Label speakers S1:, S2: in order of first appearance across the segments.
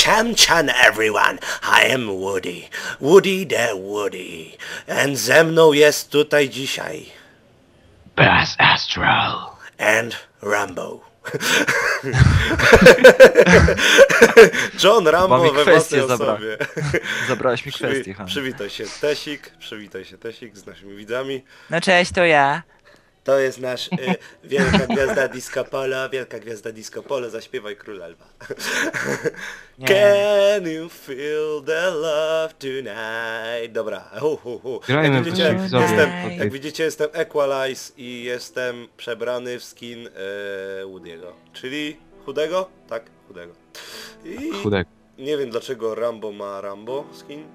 S1: Chan everyone, I am Woody. Woody the Woody. And ze mną jest tutaj dzisiaj.
S2: Bass Astral.
S1: And Rambo. John Rambo we własnej osobie.
S2: Zabrałeś mi kwestię, Han.
S1: Przywitaj się Tesik z naszymi widzami.
S2: No cześć, to ja.
S1: To jest nasz wielka gwiazda disco polo, zaśpiewaj Króla Lwa. Can you feel the love tonight? Dobra, Jak widzicie, jestem Equalize i jestem przebrany w skin Woody'ego, czyli chudego? Tak, chudego.
S2: Chudego.
S1: Nie wiem dlaczego Rambo ma Rambo skin.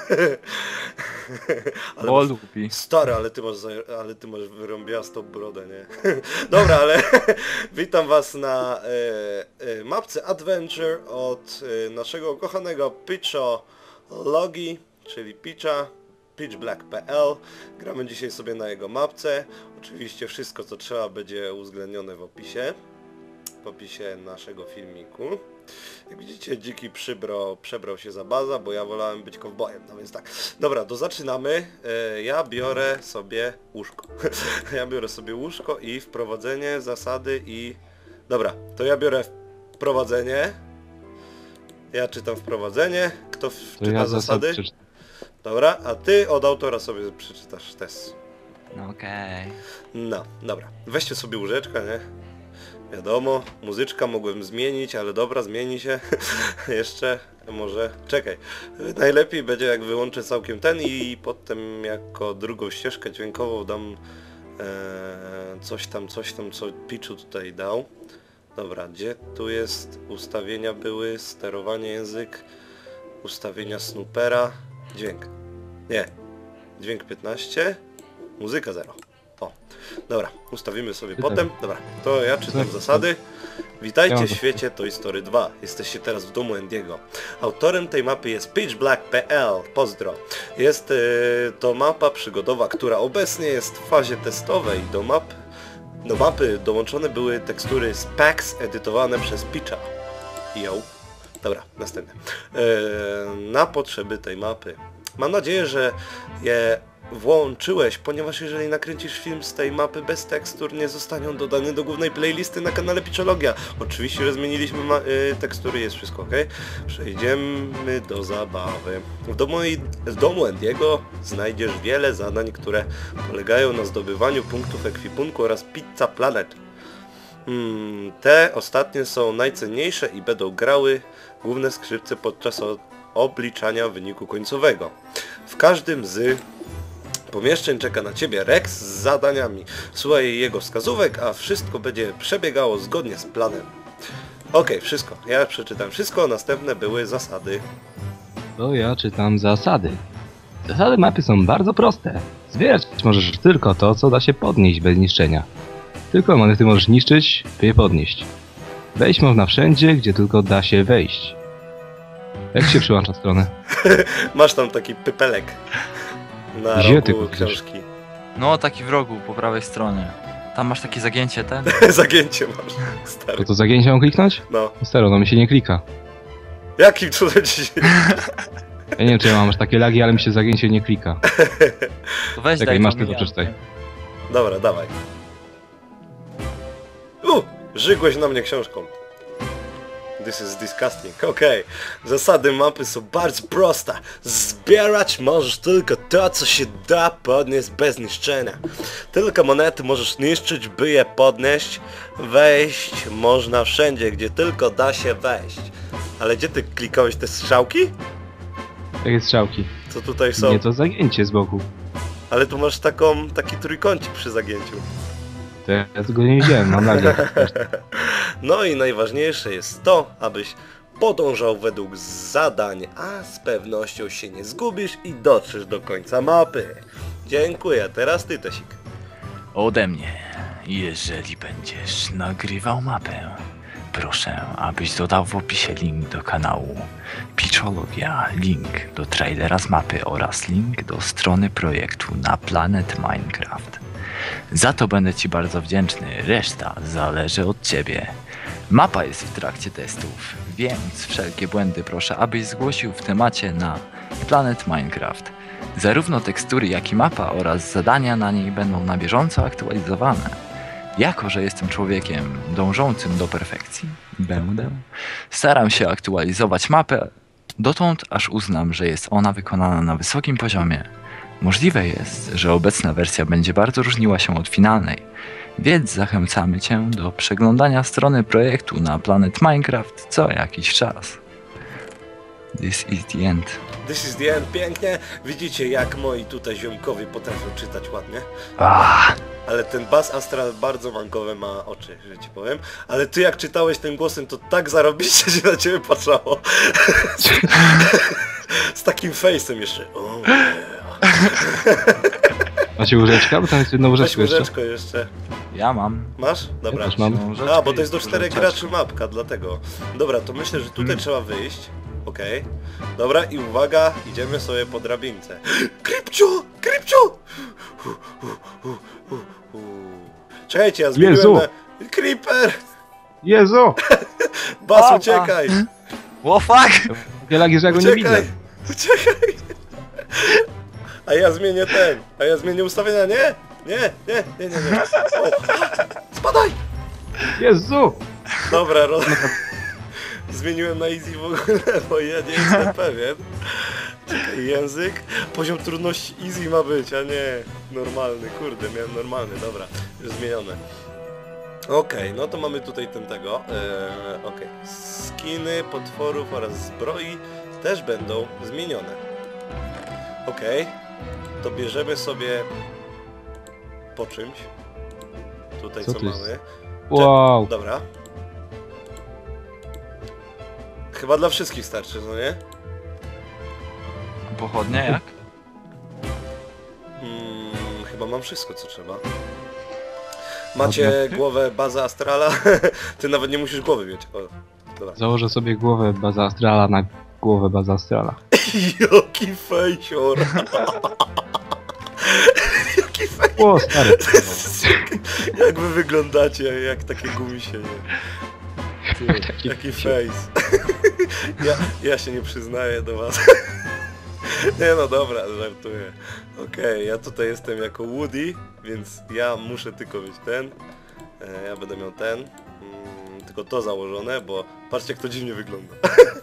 S2: Ale bo lubi.
S1: Stary, ale ty masz wyrąbiastą brodę, nie? Dobra, ale witam was na mapce Adventure od naszego kochanego Pitchologi, czyli pitchblack.pl. Gramy dzisiaj sobie na jego mapce. Oczywiście wszystko co trzeba będzie uwzględnione w opisie naszego filmiku. Jak widzicie, dziki przebrał się za baza, bo ja wolałem być kowbojem, no więc tak. Dobra, to zaczynamy. Ja biorę sobie łóżko. I wprowadzenie, zasady i... Dobra, to ja biorę wprowadzenie. Ja czytam wprowadzenie. Kto czyta zasady? Dobra, a ty od autora sobie przeczytasz test.
S2: Okej.
S1: No, dobra. Weźcie sobie łóżeczka, nie? Wiadomo, muzyczka mogłem zmienić, ale dobra, zmieni się. Jeszcze, może... Czekaj. Najlepiej będzie jak wyłączę całkiem ten i potem jako drugą ścieżkę dźwiękową dam coś tam, co Pitchu tutaj dał. Dobra, gdzie tu jest? Ustawienia były, sterowanie język, ustawienia Snoopera, dźwięk. Nie. Dźwięk 15, muzyka 0. O, dobra, ustawimy sobie potem. Dobra, to ja czytam zasady. Witajcie w świecie Toy Story 2. Jesteście teraz w domu Andy'ego. Autorem tej mapy jest pitchblack.pl. Pozdro. Jest to mapa przygodowa, która obecnie jest w fazie testowej. Do mapy dołączone były tekstury z packs edytowane przez Pitcha. Yo. Dobra, następne. Na potrzeby tej mapy. Mam nadzieję, że je włączyłeś, ponieważ jeżeli nakręcisz film z tej mapy bez tekstur, nie zostanie dodany do głównej playlisty na kanale Pitchologia. Oczywiście, że zmieniliśmy tekstury, jest wszystko ok. Przejdziemy do zabawy. W domu Andy'ego znajdziesz wiele zadań, które polegają na zdobywaniu punktów ekwipunku oraz Pizza Planet. Te ostatnie są najcenniejsze i będą grały główne skrzypce podczas obliczania wyniku końcowego. W każdym z pomieszczeń czeka na ciebie Rex z zadaniami. Słuchaj jego wskazówek, a wszystko będzie przebiegało zgodnie z planem. Okej, wszystko. Ja przeczytam wszystko, następne były zasady.
S2: To ja czytam zasady. Zasady mapy są bardzo proste. Zbierać możesz tylko to, co da się podnieść bez niszczenia. Tylko monety możesz niszczyć, by je podnieść. Wejść można wszędzie, gdzie tylko da się wejść. Jak się przyłącza stronę?
S1: Masz tam taki pypelek na rogu książki.
S3: No, taki w rogu, po prawej stronie. Tam masz takie zagięcie, ten?
S1: Zagięcie masz, stary.
S2: To zagięcie mam kliknąć?
S1: No.
S2: Staro, no mi się nie klika.
S1: Jakim cudem ci się...
S2: Ja nie wiem, czy ja mam aż takie lagi, ale mi się zagięcie nie klika.
S3: To weź
S2: Czekaj, masz tylko przeczytaj.
S1: Dobra, dawaj. Żygłeś na mnie książką. This is disgusting. Okej. Zasady mapy są bardzo proste. Zbierać możesz tylko to, co się da podnieść bez niszczenia. Tylko monety możesz niszczyć, by je podnieść. Wejść można wszędzie, gdzie tylko da się wejść. Ale gdzie ty klikałeś te strzałki?
S2: Jakie strzałki?
S1: Co tutaj są?
S2: Nie, to zagięcie z boku.
S1: Ale tu masz taki trójkącik przy zagięciu.
S2: To ja tego nie widziałem, mam nagle.
S1: No i najważniejsze jest to, abyś podążał według zadań, a z pewnością się nie zgubisz i dotrzesz do końca mapy. Dziękuję, teraz ty, Tesik.
S3: Ode mnie, jeżeli będziesz nagrywał mapę, proszę, abyś dodał w opisie link do kanału Pitchologia, link do trailera z mapy oraz link do strony projektu na Planet Minecraft. Za to będę ci bardzo wdzięczny, reszta zależy od ciebie. Mapa jest w trakcie testów, więc wszelkie błędy proszę, abyś zgłosił w temacie na Planet Minecraft. Zarówno tekstury, jak i mapa oraz zadania na niej będą na bieżąco aktualizowane. Jako że jestem człowiekiem dążącym do perfekcji, staram się aktualizować mapę dotąd, aż uznam, że jest ona wykonana na wysokim poziomie. Możliwe jest, że obecna wersja będzie bardzo różniła się od finalnej, więc zachęcamy Cię do przeglądania strony projektu na Planet Minecraft co jakiś czas. This is the end.
S1: This is the end, pięknie. Widzicie, jak moi tutaj ziomkowie potrafią czytać ładnie. Ale ten Bas Astral bardzo mankowe ma oczy, że ci powiem. Ale ty jak czytałeś tym głosem, to tak zarobiście się na ciebie patrzało. Z takim face'em jeszcze. Oh,
S2: Macie łóżeczka? Bo tam jest jedno
S1: weź
S2: łóżeczko jeszcze.
S1: łyżeczko jeszcze.
S3: Ja mam.
S1: Masz? Dobra.
S2: Ja też mam.
S1: A, bo to jest do 4 graczy mapka, dlatego. Dobra, to myślę, że tutaj trzeba wyjść. Okej. Dobra, i uwaga, idziemy sobie po drabince. Krypcio! Krypcio! Czekajcie, ja zmieniłem
S2: Jezu!
S1: na... Creeper!
S2: Jezu!
S1: Bas,
S3: Papa!
S1: uciekaj!
S3: What fuck?
S2: Takie lagi, że ja go nie widzę.
S1: Uciekaj! Uciekaj! A ja zmienię ustawienia, nie? Nie. O, spadaj!
S2: Jezu!
S1: Dobra, zmieniłem na easy w ogóle, bo ja nie jestem pewien. Czekaj, język. Poziom trudności easy ma być, a nie normalny. Kurde, miałem normalny, dobra. Już zmienione. Okej, no to mamy tutaj tego. Okej. Skiny, potworów oraz zbroi też będą zmienione. Okej. To bierzemy sobie po czymś. Tutaj
S2: Co
S1: co
S2: to jest?
S1: mamy.
S2: Wow!
S1: Dobra. Chyba dla wszystkich starczy, no nie?
S3: Pochodnie jak?
S1: Chyba mam wszystko, co trzeba. Macie głowę Baza Astrala? Ty nawet nie musisz głowy mieć. O, dobra.
S2: Założę sobie głowę Baza Astrala na głowę Baza Astrala.
S1: Jaki fejsior! Jaki fejsior!
S2: O, stary!
S1: Jak wy wyglądacie, jak takie gumisie, nie? Ty,
S2: Taki
S1: jaki
S2: gumisie.
S1: face. Ja się nie przyznaję do was. Nie no dobra, żartuję. Okej, ja tutaj jestem jako Woody, więc ja muszę tylko mieć ten. Ja będę miał ten. Tylko to założone, bo patrzcie jak to dziwnie wygląda.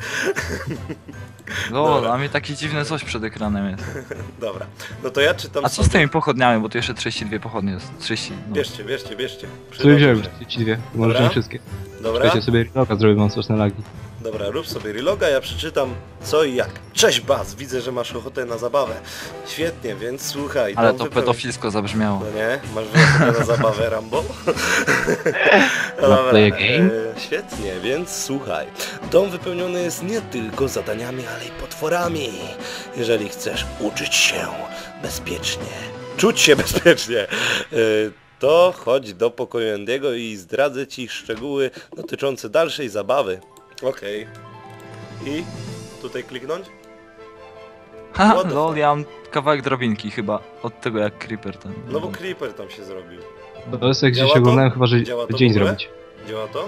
S3: Lol,
S1: Dobra.
S3: a mnie takie dziwne coś przed ekranem jest.
S1: Dobra, no to ja czytam
S3: A co z tymi pochodniami, bo tu jeszcze 32 pochodnie jest. 30, no.
S1: Bierzcie.
S2: Tu
S1: Przydadzą
S2: wziąłem
S1: się.
S2: ci dwie, możemy wszystkie.
S1: Dobra,
S2: Czekajcie sobie reloga, zrobię wam straszne lagi.
S1: dobra, rób sobie reloga, ja przeczytam co i jak. Cześć Baz, widzę, że masz ochotę na zabawę. Świetnie, więc słuchaj.
S3: Ale
S1: dom
S3: to
S1: wypełni-
S3: pedofilsko zabrzmiało.
S1: No nie? Masz ochotę na zabawę Rambo?
S2: Wanna play a game?
S1: Świetnie, więc słuchaj. Dom wypełniony jest nie tylko zadaniami, ale i potworami. Jeżeli chcesz uczyć się bezpiecznie, czuć się bezpiecznie, to chodź do pokoju Andy'ego i zdradzę ci szczegóły dotyczące dalszej zabawy. Okej. I tutaj kliknąć?
S3: Ha,
S1: What the
S3: lol,
S1: fuck?
S3: ja mam kawałek drabinki chyba. Od tego jak Creeper ten.
S1: No bo Creeper tam się zrobił.
S2: To jest jak
S1: Działa
S2: gdzieś
S1: to?
S2: oglądałem chyba, że
S1: Działa to w
S2: dzień
S1: ogóle?
S2: zrobić.
S1: Działa to?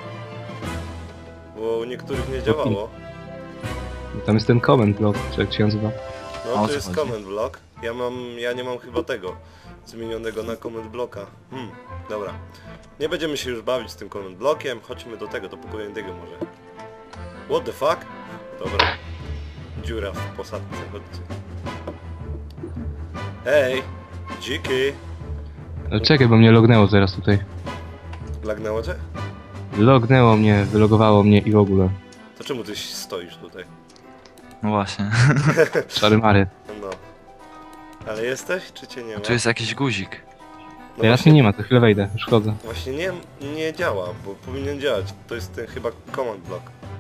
S1: Bo u niektórych nie działało.
S2: Tam jest ten comment block, czy jak się nazywa.
S3: A
S1: No
S3: o
S1: to
S3: co
S1: jest
S3: chodzi?
S1: comment block. Ja nie mam chyba tego zmienionego na comment blocka. Dobra. Nie będziemy się już bawić z tym comment blockiem. Chodźmy do tego, do pokoju Andy'ego może. What the fuck? Dobra. Dziura w posadce, chodźcie. Hej! Dziki!
S2: Ale czekaj, bo mnie lognęło zaraz tutaj.
S1: Lagnęło cię?
S2: Lognęło mnie, wylogowało mnie i w ogóle.
S1: To czemu ty stoisz tutaj?
S3: No właśnie.
S2: Szary mary.
S1: No. Ale jesteś, czy cię nie ma?
S3: Tu jest jakiś guzik.
S1: No
S2: Teraz
S1: właśnie-
S2: mnie nie ma, to chwilę wejdę, już chodzę.
S1: Właśnie nie działa, bo powinien działać. To jest ten chyba command block.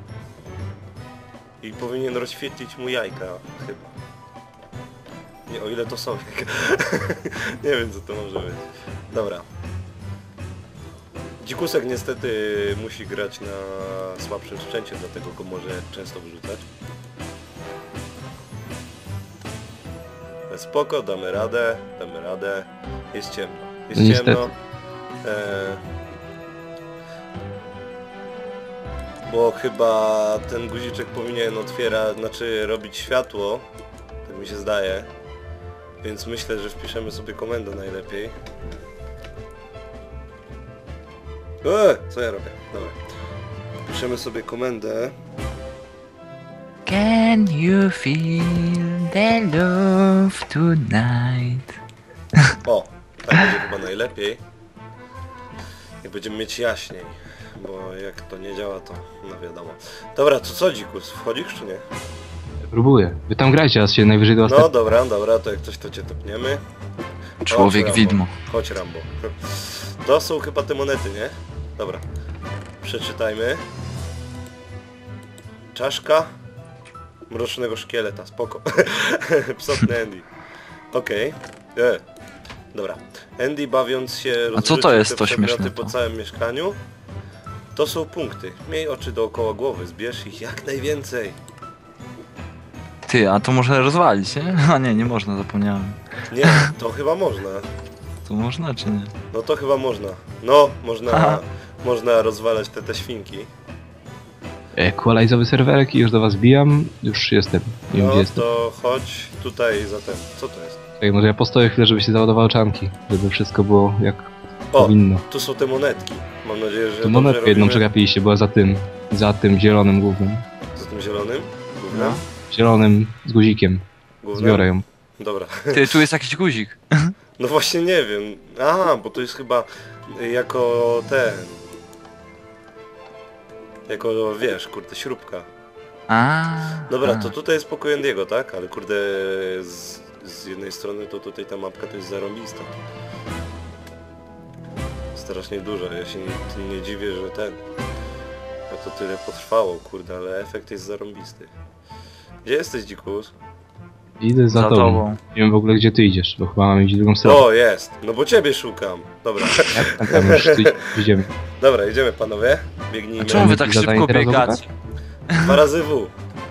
S1: I powinien rozświetlić mu jajka, chyba. Nie, o ile to są. Nie wiem co to może być. Dobra. Dzikusek niestety musi grać na słabszym sprzęcie, dlatego go może często wyrzucać. Spoko, damy radę. Jest ciemno. Jest
S2: Niestety.
S1: ciemno. Bo chyba ten guziczek powinien otwierać, znaczy robić światło. Tak mi się zdaje. Więc myślę, że wpiszemy sobie komendę najlepiej. Co ja robię? Dobra. Wpiszemy sobie komendę.
S3: Can you feel the love tonight?
S1: O, tak będzie chyba najlepiej. I będziemy mieć jaśniej. Bo jak to nie działa, to no wiadomo. Dobra, to co dzikus? Wchodzisz czy nie?
S2: Próbuję. Wy tam grajcie, a się najwyżej do was
S1: No dobra, dobra, to jak coś to cię tepniemy.
S3: Człowiek
S1: Chodź,
S3: widmo.
S1: Rambo. Chodź Rambo. To są chyba te monety, nie? Dobra. Przeczytajmy. Czaszka mrocznego szkieleta, spoko. Psotny Andy. Okej. Dobra. Andy bawiąc się
S3: A co
S1: rozrzucił
S3: to jest
S1: te
S3: to
S1: przedmioty
S3: śmieszne
S1: po
S3: to?
S1: całym mieszkaniu. To są punkty. Miej oczy dookoła głowy, zbierz ich jak najwięcej.
S3: Ty, a to można rozwalić, nie? A nie, nie można, zapomniałem.
S1: Nie, to chyba można.
S3: To można czy nie?
S1: No to chyba można. No, można,
S3: Aha.
S1: można rozwalać te świnki.
S2: Equalizowy serwerek i już do was bijam. Już jestem. Nie wiem
S1: No
S2: gdzie jestem.
S1: to chodź tutaj za ten. Co to jest?
S2: Czekaj, może ja postoję chwilę, żeby się załadowały czanki. Żeby wszystko było jak
S1: O,
S2: powinno.
S1: tu są te monetki. Mam nadzieję, że
S2: Tu
S1: dobrze
S2: monetkę jedną
S1: robimy.
S2: przegapiliście, była za tym zielonym głównym.
S1: Za tym zielonym? Gównem?
S3: No.
S2: Zielonym z guzikiem.
S1: Gównem?
S2: Zbiorę ją.
S1: Dobra.
S3: Ty, tu jest jakiś guzik.
S1: No właśnie nie wiem. Aha, bo to jest chyba jako ten... Jako, wiesz, kurde, śrubka. Dobra,
S3: a.
S1: to tutaj jest pokój Andiego, tak? Ale kurde, z jednej strony to tutaj ta mapka to jest zarąbista. Strasznie duża, ja się nie dziwię, że że to tyle potrwało, kurde, ale efekt jest zarąbisty. Gdzie jesteś, dzikus?
S2: Idę za tobą. Nie wiem w ogóle gdzie ty idziesz, bo chyba mam iść w drugą stronę.
S1: O, jest! No bo ciebie szukam. Dobra.
S2: Tam już tu idziemy.
S1: Dobra, idziemy panowie.
S3: A
S1: Biegnijmy.
S3: czemu wy tak
S2: Zadanie
S3: szybko
S2: teraz
S3: biegacie?
S1: 2 razy W.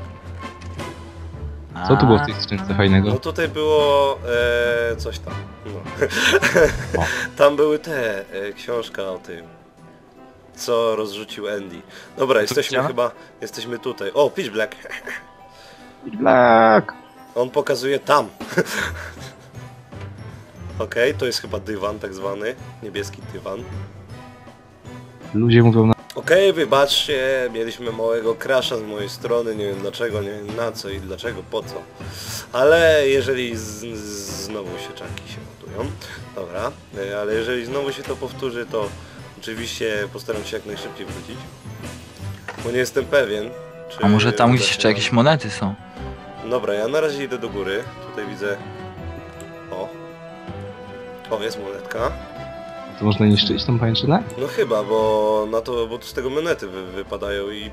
S2: Co tu było w tej skrzynce
S1: No
S2: fajnego?
S1: tutaj było coś tam. No.
S2: O.
S1: Tam były książka o tym, co rozrzucił Andy. Dobra, jesteśmy
S3: gdzie?
S1: chyba, jesteśmy tutaj. O, Pitch Black.
S2: Black!
S1: On pokazuje tam. Okej, to jest chyba dywan tak zwany. Niebieski dywan.
S2: Ludzie mówią na...
S1: Okej, wybaczcie, mieliśmy małego crasha z mojej strony, nie wiem dlaczego, nie wiem na co i dlaczego, po co. Ale jeżeli znowu się czanki się ładują, dobra, ale jeżeli znowu się to powtórzy, to oczywiście postaram się jak najszybciej wrócić. Bo nie jestem pewien, czy...
S3: A może tam
S1: uda
S3: gdzieś
S1: się
S3: jeszcze
S1: nam-
S3: jakieś monety są?
S1: Dobra, ja na razie idę do góry, tutaj widzę... O, jest monetka.
S2: To można niszczyć tą pańczynę?
S1: No chyba, bo tu z tego monety wypadają i...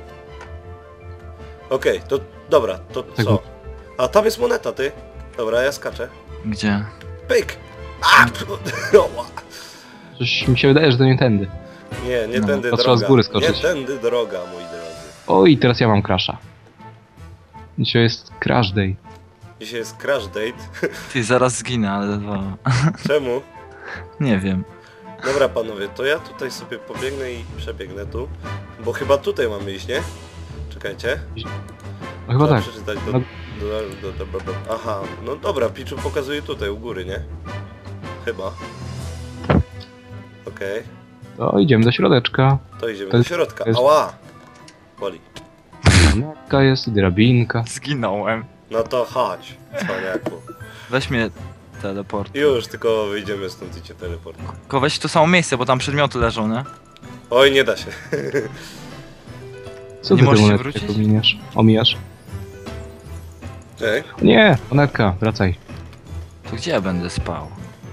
S1: Okej, to dobra, to
S2: Tak,
S1: co?
S2: bo-
S1: A tam jest moneta, ty. Dobra, ja skaczę.
S3: Gdzie?
S1: Pyk! A! Oła.
S2: Coś mi się wydaje, że to nie tędy.
S1: Nie
S3: No,
S1: tędy
S2: to
S1: droga.
S2: trzeba z góry skoczyć.
S1: Nie tędy droga, moi drodzy.
S2: Oj, teraz ja mam crasha. Dzisiaj jest crash day.
S1: Dzisiaj jest crash date.
S3: Ty, zaraz zginę, ale dwa.
S1: Czemu?
S3: Nie wiem.
S1: Dobra panowie, to ja tutaj sobie pobiegnę i przebiegnę tu. Bo chyba tutaj mamy iść, nie? Czekajcie.
S2: No chyba
S1: Trzeba
S2: tak.
S1: przeczytać
S2: No.
S1: Aha, no dobra, Picchu pokazuje tutaj u góry, nie? Chyba. Okej,
S2: To idziemy do środeczka.
S1: to idziemy
S2: To
S1: do
S2: jest-
S1: środka.
S2: to jest-
S1: Ała! Boli.
S2: Mapka jest, drabinka.
S3: Zginąłem.
S1: No to chodź, cwaniaku.
S3: Weź mnie teleport.
S1: Już, tylko wyjdziemy stąd i cię teleport.
S3: Tylko weź to samo miejsce, bo tam przedmioty leżą, nie?
S1: Oj, nie da się.
S2: Co
S3: Nie
S2: ty
S3: możesz
S2: tę
S3: się
S2: monetkę
S3: wrócić?
S2: omijasz?
S1: Ej,
S2: O nie, monetka, wracaj.
S3: To gdzie ja będę spał?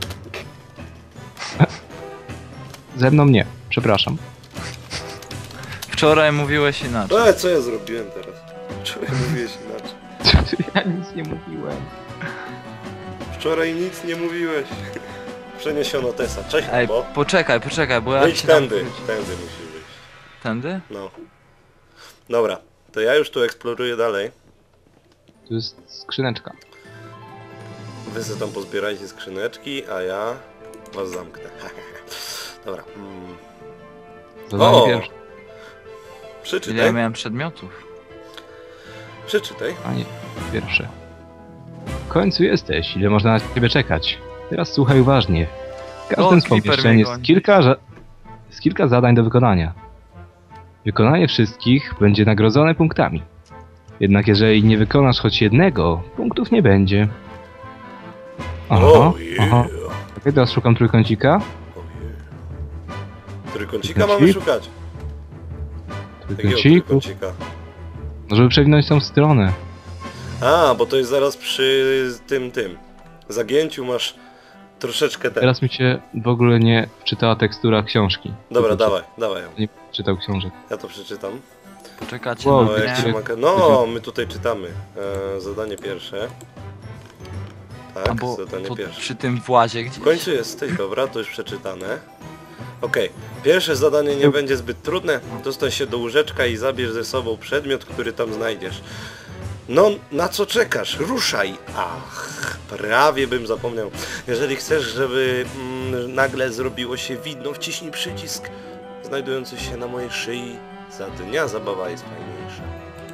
S2: Ze mną nie, przepraszam.
S3: Wczoraj mówiłeś inaczej.
S1: co ja zrobiłem teraz? Wczoraj mówiłeś inaczej.
S2: Ja nic nie mówiłem.
S1: Wczoraj nic nie mówiłeś. Przeniesiono Tesa. Cześć,
S3: Ej,
S1: bo.
S3: poczekaj, bo ja
S1: Wyjdź
S3: się tam
S1: tędy.
S3: wróci-
S1: Tędy musisz wyjść.
S3: Tędy?
S1: No. Dobra, to ja już tu eksploruję dalej.
S2: Tu jest skrzyneczka.
S1: Wy sobie tam pozbierajcie skrzyneczki, a ja was zamknę. Dobra.
S2: Zadanie
S1: O!
S2: pierwsze.
S3: Ile ja
S1: Przeczytaj.
S3: miałem przedmiotów?
S1: Przeczytaj.
S2: A nie, pierwsze. W końcu jesteś, ile można na ciebie czekać. Teraz słuchaj uważnie. W każdym z
S3: Creeper
S2: pomieszczeń
S3: mnie
S2: jest
S3: goni.
S2: kilka zadań do wykonania. Wykonanie wszystkich będzie nagrodzone punktami. Jednak jeżeli nie wykonasz choć jednego, punktów nie będzie. Aha,
S1: Oh yeah.
S2: aha. Okej, teraz szukam trójkącika.
S1: Oh yeah. Trójkącika mamy
S2: Trójkącik?
S1: szukać. Jakiego
S2: Trójkąciku.
S1: trójkącika?
S2: No, żeby przewinąć tą stronę.
S1: A, bo to jest zaraz przy tym. Zagięciu masz troszeczkę ten.
S2: Teraz mi się w ogóle nie czytała tekstura książki.
S1: Dobra,
S2: Tylko
S1: dawaj ją.
S2: Nie czytał książek.
S1: Ja to przeczytam.
S3: Poczekacie
S2: Wow,
S3: na
S1: No, jak
S3: mnie.
S1: się maka... No, my tutaj czytamy. Zadanie pierwsze. Tak,
S3: Albo
S1: zadanie
S3: to
S1: pierwsze.
S3: przy tym włazie gdzieś.
S1: W końcu jesteś, dobra, to już przeczytane. Okej, pierwsze zadanie nie będzie zbyt trudne. Dostań się do łóżeczka i zabierz ze sobą przedmiot, który tam znajdziesz. No, na co czekasz? Ruszaj! Ach, prawie bym zapomniał. Jeżeli chcesz, żeby nagle zrobiło się widno, wciśnij przycisk znajdujący się na mojej szyi. Za dnia zabawa jest fajniejsza.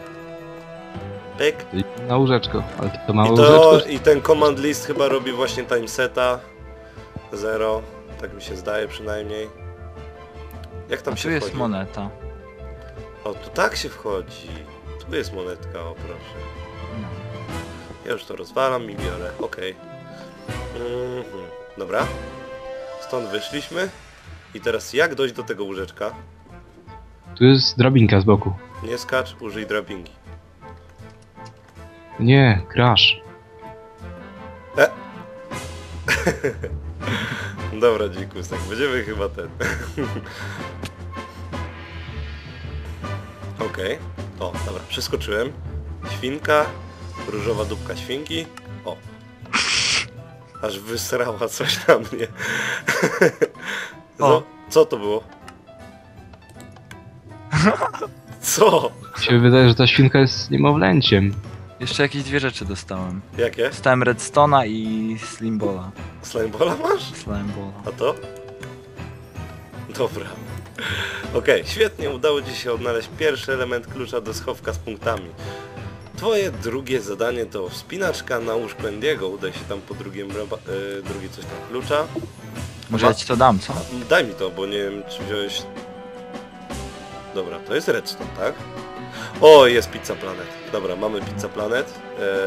S1: Pyk.
S2: Na łóżeczko, ale to małe
S1: I, to,
S2: łóżeczko.
S1: I ten command list chyba robi właśnie timeseta 0, tak mi się zdaje przynajmniej. Jak tam
S3: A
S1: się
S3: tu jest
S1: wchodzi?
S3: moneta.
S1: O, tu tak się wchodzi. Tu jest monetka, o proszę.
S3: No.
S1: Ja już to rozwalam i biorę, okej. Dobra. Stąd wyszliśmy. I teraz jak dojść do tego łóżeczka?
S2: Tu jest drabinka z boku.
S1: Nie skacz, użyj drabinki.
S2: Nie, crash.
S1: Dobra, dzikusek, będziemy chyba ten. Okej. O, dobra, przeskoczyłem. Świnka, różowa dupka świnki. O. Aż wysrała coś na mnie.
S3: O.
S1: Co to było? Co?
S2: Mi się wydaje, że ta świnka jest niemowlęciem.
S3: Jeszcze jakieś dwie rzeczy dostałem.
S1: Jakie?
S3: Dostałem redstone'a i slimbola.
S1: Slimebola masz?
S3: Slimebola.
S1: A to? Dobra. Okej, świetnie, udało Ci się odnaleźć pierwszy element klucza do schowka z punktami. Twoje drugie zadanie to wspinaczka na łóżko Endiego. Udaj się tam po drugie coś tam klucza.
S3: Może ja ci to dam, co?
S1: Daj mi to, bo nie wiem czy wziąłeś... Dobra, to jest redstone, tak? O, jest Pizza Planet. Dobra, mamy Pizza Planet.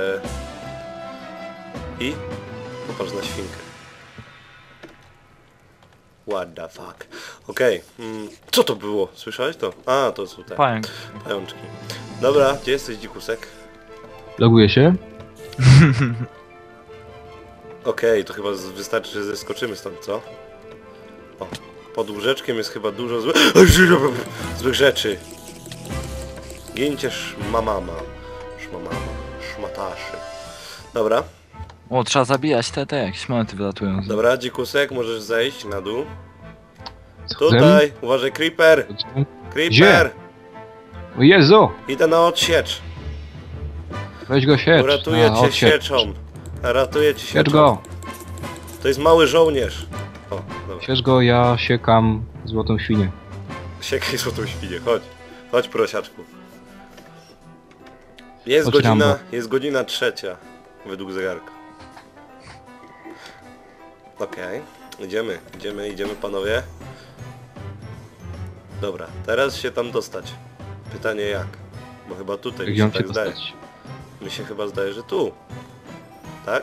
S1: I popatrz na świnkę. What the fuck. Okej. Co to było? Słyszałeś to? A, to są te
S3: Pająk.
S1: pajączki. Dobra, gdzie jesteś, dzikusek?
S2: Loguję się.
S1: Okej, to chyba wystarczy, że zeskoczymy stąd, co? O, pod łóżeczkiem jest chyba dużo złych rzeczy. Gincie szmamama. Szmataszy. Dobra,
S3: O, trzeba zabijać te jakieś monety wylatują.
S1: dobra, dzikusek, możesz zejść na dół.
S2: Schodzę.
S1: Tutaj, uważaj, creeper!
S2: Schodzę.
S1: Creeper!
S2: O Jezu!
S1: Idę na odsiecz.
S2: Weź go siecz.
S1: Uratuję
S2: A,
S1: cię
S2: odsiecz.
S1: sieczą. Ratuję cię
S2: Siecz
S1: sieczą.
S2: go!
S1: To jest mały żołnierz. O, dobra.
S2: Siecz go, ja siekam złotą świnię.
S1: Siekaj złotą świnię, chodź. Chodź, prosiaczku. Jest
S2: Chodź,
S1: godzina,
S2: Rambo.
S1: jest godzina 3. Według zegarka. Okej. Idziemy panowie. Dobra, teraz się tam dostać. Pytanie jak? Bo chyba tutaj mi
S2: Gdzie
S1: się
S2: mam się
S1: tak zdaje.
S2: dostać?
S1: Mi się chyba zdaje, że tu. Tak?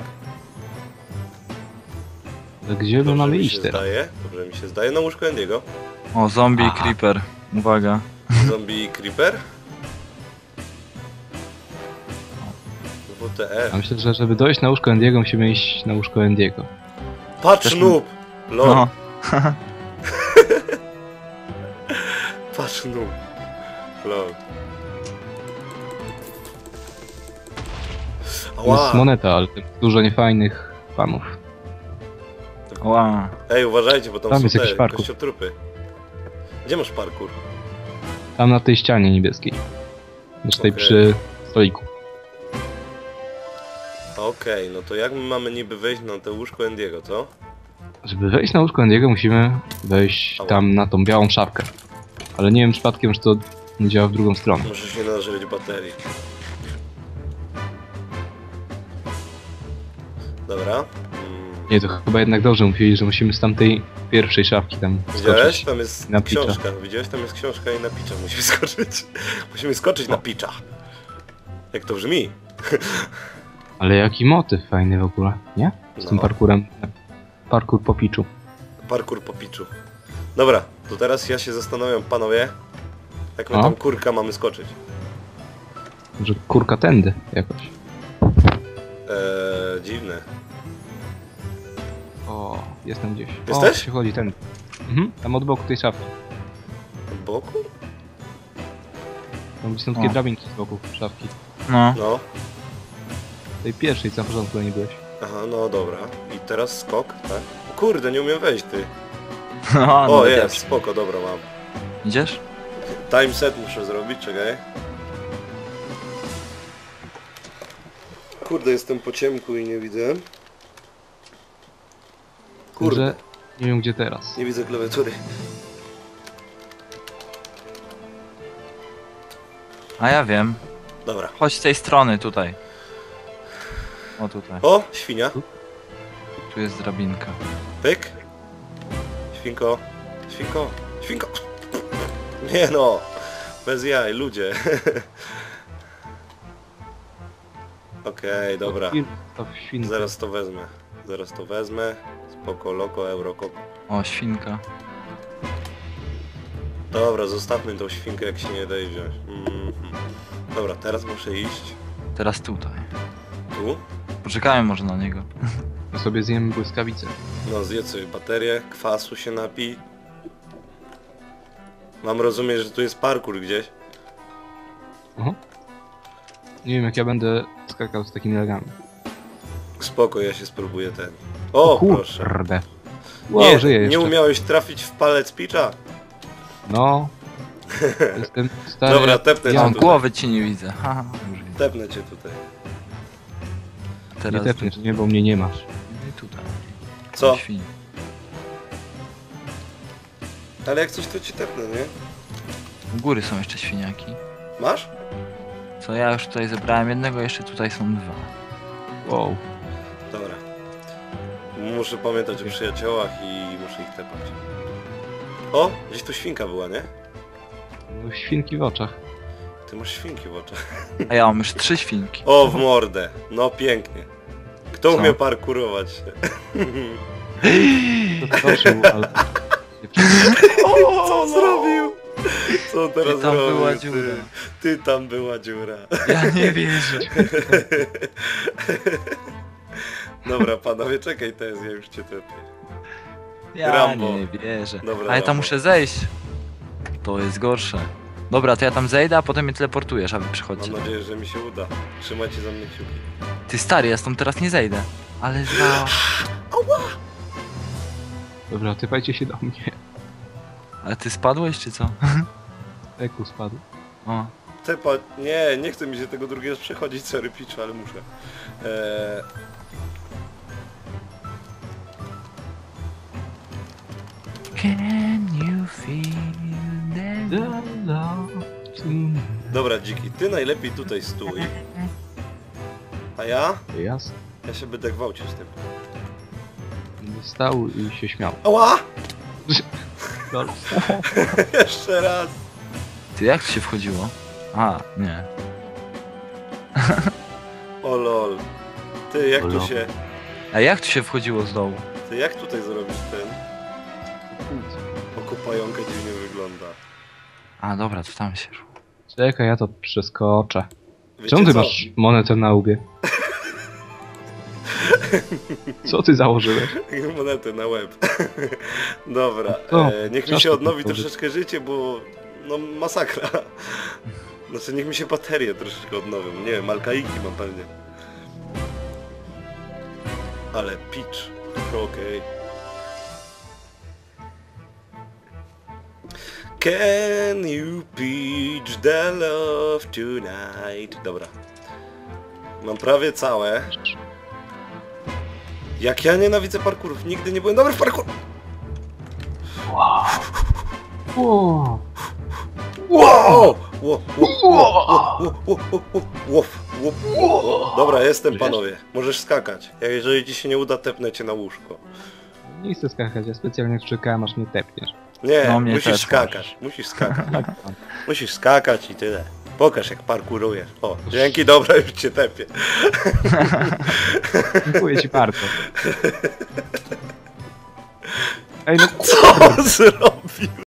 S2: Ale gdzie my mamy
S1: mi
S2: iść
S1: się
S2: teraz?
S1: zdaje. Dobrze mi się zdaje. Na łóżko Endiego.
S3: O, zombie
S2: Aha.
S3: creeper. Uwaga.
S1: Zombie Creeper. WTF.
S2: Ja myślę, że żeby dojść na łóżko Endiego, musimy iść na łóżko Endiego.
S1: Patrz
S3: Też-
S1: noob! Lol.
S3: No.
S1: Patrz noob. Lol.
S2: To jest
S1: Ała.
S2: moneta, ale tam dużo niefajnych panów.
S3: Ła.
S1: Ej, uważajcie, bo tam
S2: Tam
S1: są
S2: jest jakiś
S1: te
S2: parkour.
S1: kościotrupy. Gdzie masz parkour?
S2: Tam na tej ścianie niebieskiej. Znaczy tej
S1: Okej.
S2: przy stoliku.
S1: Okej, no to jak my mamy niby wejść na to łóżko Endiego, co?
S2: Żeby wejść na łóżko Endiego, musimy wejść
S1: Ała.
S2: tam na tą białą szafkę. Ale nie wiem przypadkiem, czy to nie działa w drugą stronę.
S1: Muszę się nażreć baterii. Dobra.
S2: Nie, to chyba jednak dobrze mówili, że musimy z tamtej pierwszej szafki tam
S1: Widziałeś?
S2: skoczyć.
S1: Tam jest
S2: na pitcha.
S1: książka. Widziałeś? Tam jest książka i na pitcha musimy skoczyć. Musimy skoczyć na pitcha. Jak to brzmi?
S2: Ale jaki motyw fajny w ogóle, nie? Z tym
S1: No.
S2: parkurem. Parkur po piczu.
S1: Parkour po piczu. Dobra, to teraz ja się zastanawiam, panowie, jak my
S2: O.
S1: tam kurka mamy skoczyć.
S2: Może kurka tędy jakoś.
S1: Dziwne.
S2: O, jestem gdzieś.
S1: Jesteś?
S2: O, się chodzi tędy. Mhm, tam od boku tej szafki.
S1: Od boku?
S2: Tam są takie
S3: O.
S2: drabinki z boku szafki.
S3: No.
S1: No.
S2: Tej pierwszej, co na początku nie byłeś.
S1: Aha, no dobra. I teraz skok, tak? Kurde, nie umiem wejść, ty.
S3: No,
S1: O,
S3: no,
S1: jest, spoko, dobra, mam.
S3: Idziesz?
S1: Time set muszę zrobić, czekaj. Kurde, jestem po ciemku i nie widzę. Kurde,
S2: Że nie wiem gdzie teraz.
S1: nie widzę klawiatury.
S3: A ja wiem.
S1: Dobra.
S3: Chodź z tej strony, tutaj. O, tutaj.
S1: O, świnia.
S3: Tu jest drabinka.
S1: Pyk. Świnko. Świnko. Świnko. Nie no. Bez jaj, ludzie. Okej, dobra.
S2: To w śwince.
S1: Zaraz to wezmę. Zaraz to wezmę. Spoko, loko, eurokoko.
S3: O, świnka.
S1: Dobra, zostawmy tą świnkę, jak się nie daje wziąć. Dobra, teraz muszę iść.
S3: Teraz tutaj.
S1: Tu.
S3: Poczekajmy może na niego.
S2: To sobie zjemy błyskawicę.
S1: No, zjedz sobie baterię, kwasu się napij. Mam rozumieć, że tu jest parkour gdzieś.
S2: Aha. Nie wiem jak ja będę skakał z takimi nogami.
S1: Spoko, ja się spróbuję ten. O, proszę.
S2: Kurde. Wow, żyję
S1: Nie,
S2: jeszcze.
S1: nie umiałeś trafić w palec pitcha?
S2: No. Jestem stary.
S1: Dobra, tepnę
S3: Ja
S1: cię
S3: mam
S1: tutaj.
S3: głowy ci nie widzę. Haha, już widzę.
S1: Tepnę cię tutaj.
S2: Nie
S3: Teraz
S2: tepniesz, nie, bo mnie nie masz.
S3: I tutaj.
S1: Co?
S3: Świn.
S1: Ale jak coś to ci tepnę, nie?
S3: U góry są jeszcze świniaki.
S1: Masz?
S3: Co ja już tutaj zebrałem jednego, jeszcze tutaj są dwa.
S2: Wow.
S1: Dobra. Muszę pamiętać o przyjaciołach i muszę ich tepać. O, gdzieś tu świnka była, nie?
S2: No, świnki w oczach.
S1: Ty masz świnki w oczach.
S3: A ja mam już 3 świnki.
S1: O, w mordę. No pięknie. Kto
S3: Co?
S1: umie parkurować?
S2: To skoczył, ale...
S1: Co on zrobił? Co on teraz
S3: Ty tam
S1: zrobił?
S3: była
S1: ty?
S3: dziura.
S1: Ty tam była dziura.
S3: Ja nie wierzę.
S1: Dobra, panowie, czekaj, teraz ja już cię tepię.
S3: Ja
S1: Rambo.
S3: nie wierzę.
S1: Dobra,
S3: Ale
S1: Rambo.
S3: tam muszę zejść. To jest gorsze. Dobra, to ja tam zejdę, a potem mnie teleportujesz, a wy przychodźcie.
S1: Mam nadzieję, że mi się uda. Trzymajcie za mnie kciuki.
S3: Ty stary, ja stąd teraz nie zejdę. Ale za...
S2: Dobra, typajcie się do mnie.
S3: Ale ty spadłeś, czy co?
S2: Eku spadł.
S3: O.
S1: Tepa... nie chcę mi się tego drugiego przechodzić, sorry pitch, ale muszę.
S3: Can you feel
S2: The love to me.
S1: Dobra, dziki, ty najlepiej tutaj stój. A ja?
S2: Jasne.
S1: Ja się będę gwałcił z tym.
S2: Stał i się śmiał.
S1: Ała!
S2: Lol.
S1: Jeszcze raz!
S3: Ty jak tu się wchodziło? A, nie.
S1: O lol. Ty, jak
S2: O
S1: tu
S2: lol.
S1: się...
S3: A jak tu się wchodziło z dołu?
S1: Ty, jak tutaj zrobić ten... Okupająkę dziwnie wygląda.
S3: A, dobra, to tam się szło.
S2: Czekaj, ja to przeskoczę.
S1: Wiecie
S2: Czemu ty
S1: co?
S2: masz monetę na łbie? Co ty założyłeś?
S1: Monetę na łeb. Dobra,
S2: Co?
S1: niech mi
S2: Czas
S1: się
S2: to
S1: odnowi
S2: powtórzyć.
S1: troszeczkę życie, bo... No masakra. Znaczy niech mi się baterie troszeczkę odnowią. Nie wiem, alkaiki mam pewnie. Ale pitch. Okej. Can you pitch the love tonight? Dobra. Mam prawie całe. Jak ja nienawidzę parkurów. Nigdy nie byłem dobry w parkour.
S2: Wow.
S1: Wow! Dobra, jestem, panowie. Możesz skakać. Jeżeli ci się nie uda, tepnę cię na łóżko.
S2: Nie chcę skakać, ja specjalnie czekałem aż mnie tepniesz.
S1: Nie,
S3: No, mnie
S1: musisz
S3: też
S1: skakać. Musisz skakać. Musisz skakać i tyle. Pokaż, jak parkurujesz. O, dzięki, dobra, już cię tepię.
S2: Dziękuję ci bardzo. Ej, no
S1: Co on zrobił?